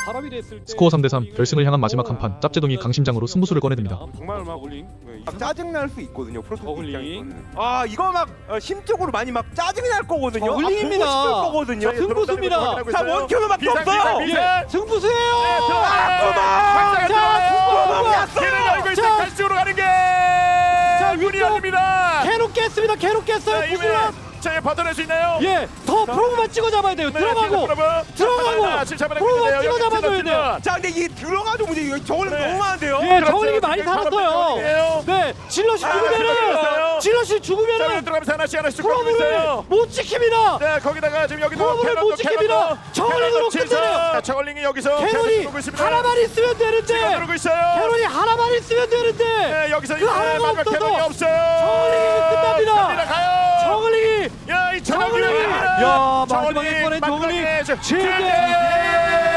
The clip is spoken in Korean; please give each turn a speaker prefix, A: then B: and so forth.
A: 사람이 됐을 때
B: 스코어 3대3 결승을 향한 마지막 한판 짭제동이 강심장으로 승부수를 꺼내듭니다.
A: 정말 막 올링.
C: 막 짜증 날 수 있거든요. 프로토스
A: 저글링.
C: 입장에서는. 아 이거 막 심적으로 많이 막 짜증이 날 거거든요.
A: 저글링입니다.
C: 보고 싶을 거거든요.
A: 승부수입니다.
C: 자 원큐로밖에 없어요.
A: 예, 승부수예요.
C: 자,
D: 길을 열고 있어
A: 자,
D: 갈수로 가는 게 문이
A: 위쪽.
D: 열립니다.
A: 캐논 깼습니다. 캐논 깼어요. 구슬라.
D: 자, 버텨낼 수 있나요?
A: 예, 더 프로브만 찍어 잡아야 돼요. 들어가고 프로브만 찍어 잡아줘야 돼요.
C: 자 근데 이 들어가도 문제 이거 저걸
D: 네.
C: 너무 많은데요.
A: 예, 저글링이 많이 살았어요.
D: 네.
A: 네, 질럿이 죽으면은 질럿이 죽으면은
D: 들어가면서 하나씩 쭉 가고
A: 프로브를
D: 있어요.
A: 못 지킵니다.
D: 네, 거기다가 지금 여기도
A: 프로브를 못 지킵니다. 저글링으로 끝내요.
D: 저글링이 여기서
A: 캐논이
D: 누르고 있습니다.
A: 하나만 있으면 되는데
D: 누르고 있어요.
A: 캐논이 하나만 있으면 되는데
D: 네, 여기서
A: 그 하나가
D: 마지막
A: 없어서
D: 캐논이 없어요.
A: 저글링이 끝납니다.
D: 갑니다, 가요.
A: 저글링이
D: 야, 이
A: 저글링이 야 마지막에 꺼낸 저글링
D: 마지막에
A: 최대